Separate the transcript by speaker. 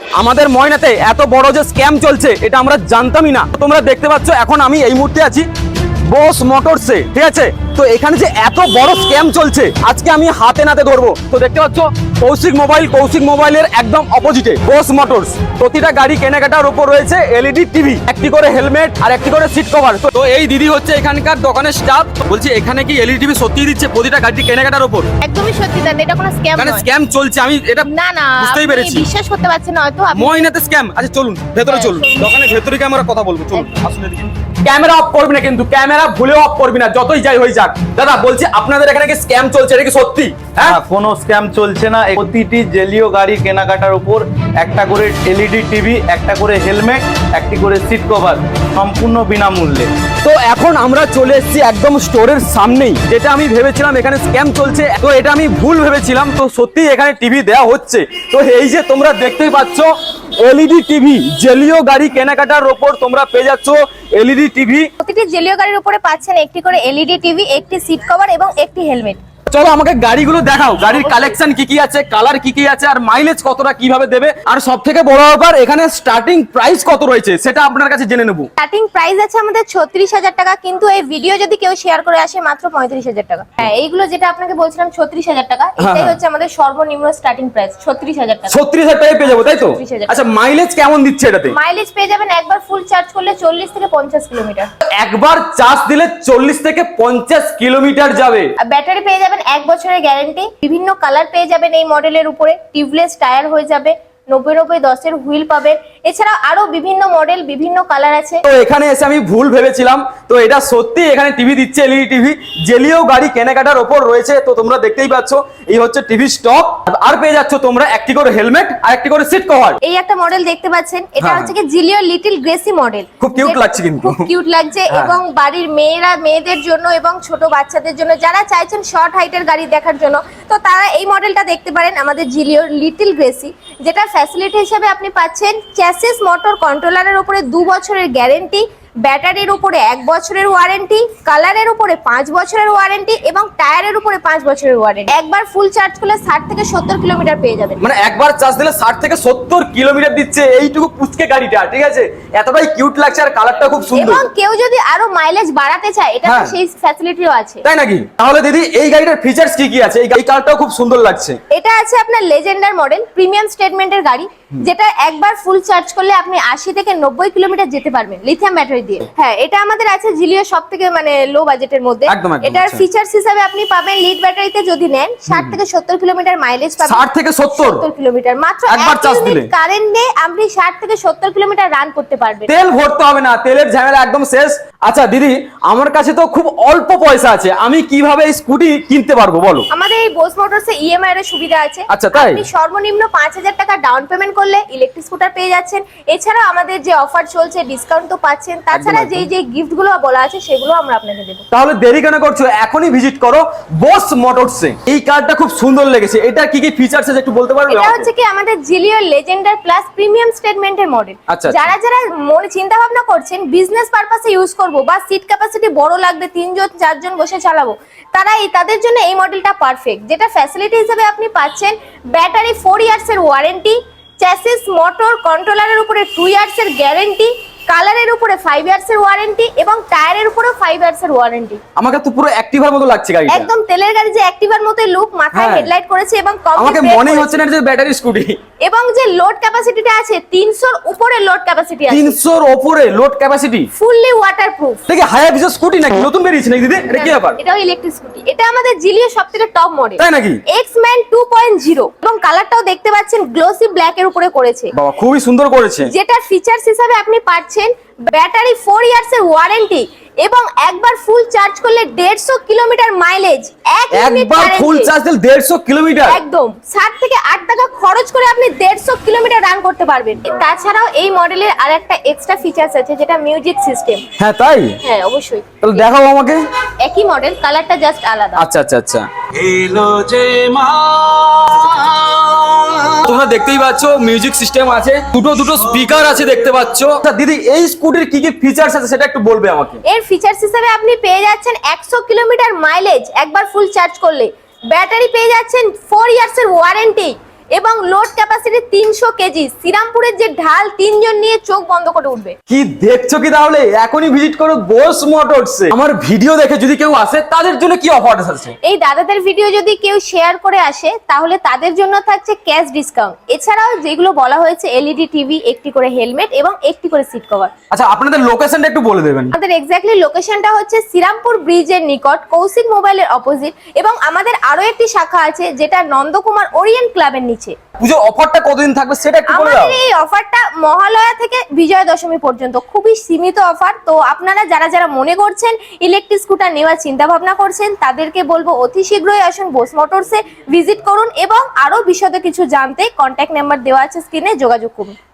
Speaker 1: আমাদের ময়নাতে এত বড় যে স্ক্যাম চলছে এটা আমরা জানতামই না। তোমরা দেখতে পাচ্ছ এখন আমি এই মুহূর্তে আছি বস মোটরসে, ঠিক আছে? তো এখানে যে এত বড় স্ক্যাম চলছে আজকে আমি হাতে নাতে ধরবো। তো দেখতে পাচ্ছ কৌশিক মোবাইলের একদম অপোজিটে বস মোটরস। প্রতিটা গাড়ি কেনাকাটার উপর রয়েছে এলইডি টিভি, একটি করে হেলমেট আর একটি করে সিট কভার। তো এই দিদি হচ্ছে এখানকার দোকানের স্টাফ। বলছি এখানে কি এলইডি টিভি সত্যি দিচ্ছে প্রতিটা গাড়ি কেনাকাটার উপর?
Speaker 2: একদমই সত্যি দাদা, এটা কোনো স্ক্যাম
Speaker 1: মানে
Speaker 2: নয়।
Speaker 1: স্ক্যাম চলছে, আমি এটা
Speaker 2: না
Speaker 1: বুঝতেই
Speaker 2: আপনি
Speaker 1: পেরেছি।
Speaker 2: বিশ্বাস করতে পারছেন না হয়তো আপনি।
Speaker 1: ময়নাতে স্ক্যাম। আচ্ছা চলুন ভেতরে
Speaker 2: হ্যাঁ,
Speaker 1: চলুন,
Speaker 2: চলুন।
Speaker 1: দোকানের ভেতরে গিয়ে আমরা কথা বলবো। চলুন আসুন এদিকে। ক্যামেরা অফ করবি না কিন্তু, ক্যামেরা ভুলেও অফ করবি না, যতই যাই হয়ে যাক। দাদা বলছি আপনাদের এখানে কি স্ক্যাম চলছে, এটা কি সত্যি? হ্যাঁ,
Speaker 3: না, কোনো স্ক্যাম চলছে না। প্রতিটি জেলীয় গাড়ি কেনাকাটার উপর একটা করে এলইডি টিভি, একটা করে হেলমেট, একটি করে সিট কভার সম্পূর্ণ বিনামূল্যে।
Speaker 1: তো এখন আমরা চলে এসেছি একদম স্টোরের সামনেই। যেটা আমি ভেবেছিলাম এখানে স্ক্যাম চলছে, তো এটা আমি ভুল ভেবেছিলাম। তো সত্যি এখানে টিভি দেওয়া হচ্ছে। তো এই যে তোমরা দেখতেই পাচ্ছ এলইডি টিভি, জেলীয় গাড়ি কেনাকাটার উপর তোমরা পেয়ে যাচ্ছ এলইডি টিভি।
Speaker 2: প্রতিটি জেলীয় গাড়ির উপরে পাচ্ছেন একটি করে এলইডি টিভি, একটি সিট কভার এবং একটি হেলমেট।
Speaker 1: চলো আমাকে গাড়িগুলো দেখাও, গাড়ির কালেকশন কি কি আছে, কালার কি কি আছে, আর মাইলেজ কতটা কিভাবে দেবে, আর সব থেকে বড় ব্যাপার এখানে স্টার্টিং প্রাইস কত রয়েছে সেটা আপনার কাছে জেনে নেবো।
Speaker 2: স্টার্টিং প্রাইস আছে আমাদের 36,000 টাকা, কিন্তু এই ভিডিও যদি কেউ শেয়ার করে আসে মাত্র 35,000 টাকা। হ্যাঁ, এইগুলো যেটা আপনাকে বলছিলাম 36,000 টাকা, এটাই হচ্ছে আমাদের সর্বনিম্ন স্টার্টিং প্রাইস 36,000 টাকা।
Speaker 1: 36,000 টাকায় পেয়ে যাবো, তাই তো?
Speaker 2: 36,000
Speaker 1: আচ্ছা মাইলেজ কেমন দিচ্ছে এটাতে?
Speaker 2: মাইলেজ পেয়ে যাবেন একবার ফুল চার্জ করলে 40 থেকে 50 কিলোমিটার।
Speaker 1: একবার চার্জ দিলে 40 থেকে 50 কিলোমিটার যাবে।
Speaker 2: আর ব্যাটারি পেয়ে যাবেন 1 বছরের গ্যারান্টি। বিভিন্ন কালার পেয়ে যাবেন এই মডেলের উপরে। টিউবলেস টায়ার হয়ে যাবে, 90-90-10 হুইল পাবেন। এছাড়া আরো বিভিন্ন মডেল, বিভিন্ন কালার আছে।
Speaker 1: তো এখানে এসে আমি ভুল ভেবেছিলাম, তো এটা সত্যি এখানে টিভি দিচ্ছে এলইডি টিভি, জেলীয় গাড়ি কেনাকাটার ওপর রয়েছে। তো তোমরা দেখতেই পাচ্ছ এই হচ্ছে টিভি স্টক। আর পেয়ে যাচ্ছ তোমরা একটি করে হেলমেট আর একটি করে সিট কভার।
Speaker 2: এই একটা মডেল দেখতে পাচ্ছেন, এটা
Speaker 1: হ্যাঁ,
Speaker 2: হচ্ছে কি জিলিও লিটল গ্রেসি মডেল।
Speaker 1: খুব কিউট লাগছে কিন্তু।
Speaker 2: খুব কিউট লাগছে
Speaker 1: হ্যাঁ।
Speaker 2: এবং বাড়ির মেয়েদের জন্য এবং ছোট বাচ্চাদের জন্য যারা চাইছেন শর্ট হাইটের গাড়ি দেখার জন্য, তো তারা এই মডেলটা দেখতে পারেন আমাদের জিলিও লিটল গ্রেসি। যেটা ফ্যাসিলিটি হিসেবে আপনি পাচ্ছেন চ্যাসিস মোটর কন্ট্রোলারের উপরে 2 বছরের গ্যারান্টি, ব্যাটারির উপরে 1 বছরের ওয়ারেন্টি, কালারের উপরে 5 বছরের ওয়ারেন্টি এবং টায়ারের উপরে 5 বছরের ওয়ারেন্টি। একবার ফুল চার্জ করলে 60 থেকে 70 কিলোমিটার পেয়ে যাবেন।
Speaker 1: মানে একবার চার্জ দিলে 60 থেকে 70 কিলোমিটার দিচ্ছে এইটুকু পুচকে গাড়িটা, ঠিক আছে? এতটাই কিউট লাগছে আর কালারটা খুব সুন্দর।
Speaker 2: এবং কেউ যদি আরো মাইলেজ বাড়াতে চায় এটা
Speaker 1: হ্যাঁ,
Speaker 2: সেই ফ্যাসিলিটিও আছে।
Speaker 1: তাই নাকি? তাহলে দিদি এই গাড়িটার ফিচার্স কি কি আছে? এই কালারটাও খুব সুন্দর লাগছে।
Speaker 2: এটা আছে আপনার লেজেন্ডার মডেল, প্রিমিয়াম স্টেটমেন্টের গাড়ি, যেটা একবার ফুল চার্জ করলে আপনি 80 থেকে 90 কিলোমিটার যেতে পারবেন লিথিয়াম ব্যাটারি দিয়ে। হ্যাঁ, এটা আমাদের আছে জিলিও সব থেকে মানে লো বাজেটের মধ্যে।
Speaker 1: একদম,
Speaker 2: এটার
Speaker 1: আচ্ছা।
Speaker 2: ফিচার্স হিসাবে আপনি পাবেন লিড ব্যাটারিতে যদি নেন 60 থেকে 70 কিলোমিটার মাইলেজ পাবেন।
Speaker 1: 60 থেকে 70
Speaker 2: কিলোমিটার মাত্র
Speaker 1: একবার চার্জ দিলে
Speaker 2: কারেন্টে আপনি 60 থেকে 70 কিলোমিটার রান করতে পারবেন।
Speaker 1: তেল ভরতে হবে না, তেলের ঝামেলা একদম শেষ। আচ্ছা দিদি, আমার কাছে তো খুব অল্প পয়সা আছে, আমি কিভাবে এই স্কুটি কিনতে পারবো বলো?
Speaker 2: আমাদের এই বোস মোটরসে ইএমআই এর সুবিধা আছে।
Speaker 1: আচ্ছা, তাই?
Speaker 2: আপনি সর্বনিম্ন 5,000 টাকা ডাউন পেমেন্ট করলে ইলেকট্রিক স্কুটার পেয়ে যাচ্ছেন। এছাড়া আমাদের যে অফার চলছে ডিসকাউন্ট তো পাচ্ছেন। তাছাড়া
Speaker 1: একদম।
Speaker 2: যে গিফট গুলো বলা আছে সেগুলো আমরা আপনাকে দেবো।
Speaker 1: তাহলে দেরি কেন করছো, এখনই ভিজিট করো বস মোটরসে। এই কারটা খুব সুন্দর লেগেছে, এটা কি কি ফিচার্স আছে একটু বলতে পারবে
Speaker 2: এটা
Speaker 1: আমাকে?
Speaker 2: হচ্ছে কি আমাদের জিলিও লেজেন্ডার প্লাস প্রিমিয়াম স্টেটমেন্টের মডেল।
Speaker 1: আচ্ছা,
Speaker 2: যারা মনে চিন্তা ভাবনা করছেন বিজনেস পারপাসে ইউজ করব বা সিট ক্যাপাসিটি বড় লাগবে, 3 জন 4 জন বসে চালাবো, তাদের জন্য এই মডেলটা পারফেক্ট। যেটা ফ্যাসিলিটি হিসেবে আপনি পাচ্ছেন ব্যাটারি 4 ইয়ার্স এর ওয়ারেন্টি, চ্যাসিস মোটর কন্ট্রোলারের উপরে 2 ইয়ার্স এর গ্যারান্টি, কালারের উপরে 5 ইয়ার্স এর ওয়ারেন্টি এবং টায়ারের উপরে 5 ইয়ার্স এর ওয়ারেন্টি।
Speaker 1: আমাকে তো পুরো অ্যাক্টিভার মতো লাগছে গাড়িটা।
Speaker 2: একদম তেলের গাড়ি যে অ্যাক্টিভার মতো লুক, মাথায়
Speaker 1: হ্যাঁ।
Speaker 2: হেডলাইট করেছে এবং
Speaker 1: আমাকে মনেই হচ্ছে না যে ব্যাটারি স্কুটি।
Speaker 2: এবং যে লোড ক্যাপাসিটিটা আছে 300 এর উপরে লোড ক্যাপাসিটি আছে।
Speaker 1: 300 এর উপরে লোড ক্যাপাসিটি,
Speaker 2: ফুললি ওয়াটারপ্রুফ।
Speaker 1: দেখি হায়াবুসা স্কুটি নাকি নতুন বেরিয়েছে নাকি দিদি? এটা কি ব্যাপার?
Speaker 2: এটাও ইলেকট্রিক স্কুটি। এটা আমাদের জিলিও সবথেকে টপ মডেল।
Speaker 1: তাই নাকি?
Speaker 2: এক্সম্যান 2.0 এবং কালারটাও দেখতে পাচ্ছেন গ্লোসি ব্ল্যাক এর উপরে করেছে।
Speaker 1: বাবা খুবই সুন্দর করেছে।
Speaker 2: যেটা ফিচার্স হিসাবে আপনি পাচ্ছেন ব্যাটারি 4 ইয়ার্স এর ওয়ারেন্টি এবং একবার ফুল চার্জ করলে 150 কিলোমিটার মাইলেজ,
Speaker 1: একবার ফুল চার্জ দিলে 150 কিলোমিটার।
Speaker 2: একদম 7 থেকে 8 টাকা খরচ করে আপনি 150 কিলোমিটার রান করতে পারবেন। তাছাড়াও এই মডেলের আরেকটা এক্সট্রা ফিচার্স আছে যেটা মিউজিক সিস্টেম।
Speaker 1: হ্যাঁ তাই?
Speaker 2: হ্যাঁ অবশ্যই।
Speaker 1: তাহলে দেখাও আমাকে।
Speaker 2: একই মডেল, কালারটা জাস্ট আলাদা।
Speaker 1: আচ্ছা আচ্ছা আচ্ছা।
Speaker 4: এলো যে মা,
Speaker 1: তোমরা দেখতেই পাচ্ছ মিউজিক সিস্টেম আছে, দুটো স্পিকার আছে দেখতে পাচ্ছ। আচ্ছা দিদি, এই স্কুটির কি কি ফিচার্স আছে সেটা একটু বলবে আমাকে?
Speaker 2: এর ফিচার্স হিসেবে আপনি পেয়ে যাচ্ছেন 100 কিলোমিটার মাইলেজ একবার ফুল চার্জ করলে, ব্যাটারি পেয়ে যাচ্ছেন 4 ইয়ার্স এর ওয়ারেন্টি এবং লোড ক্যাপাসিটি 300 কেজি। শ্রীরামপুরের যে ঢাল 3 জন নিয়ে চোখ বন্ধ করে উঠবে।
Speaker 1: কি দেখছো কি তাহলে এখনই ভিজিট করো বোস মোটরসে। আমার ভিডিও দেখে যদি কেউ আসে তাদের জন্য কি অফার আছে?
Speaker 2: এই দাদাদের ভিডিও যদি কেউ শেয়ার করে আসে তাহলে তাদের জন্য থাকছে ক্যাশ ডিসকাউন্ট। এছাড়াও যেগুলো বলা হয়েছে এলইডি টিভি, একটি করে হেলমেট এবং একটি করে সিট কভার।
Speaker 1: আচ্ছা আপনাদের লোকেশনটা একটু বলে দেবেন।
Speaker 2: আমাদের এক্স্যাক্টলি লোকেশনটা হচ্ছে শ্রীরামপুর ব্রিজের নিকট, কৌশিক মোবাইলের অপোজিট, এবং আমাদের আরো একটি শাখা আছে যেটা নন্দকুমার ওরিয়েন্ট ক্লাবের নিচে।
Speaker 1: পুজো অফারটা কতদিন থাকবে সেটা একটু বলে দাও।
Speaker 2: আমাদের এই অফারটা মহালয়া থেকে বিজয়া দশমী পর্যন্ত, খুবই সীমিত অফার। তো আপনারা যারা যারা মনে করছেন ইলেকট্রিক স্কুটার নেওয়ার চিন্তা ভাবনা করছেন তাদেরকে বলবো অতি শীঘ্রই আসুন বোস মোটরসে ভিজিট করুন এবং আরো বিশদ কিছু জানতে কন্ট্যাক্ট নাম্বার দেওয়া আছে স্ক্রিনে, যোগাযোগ করুন।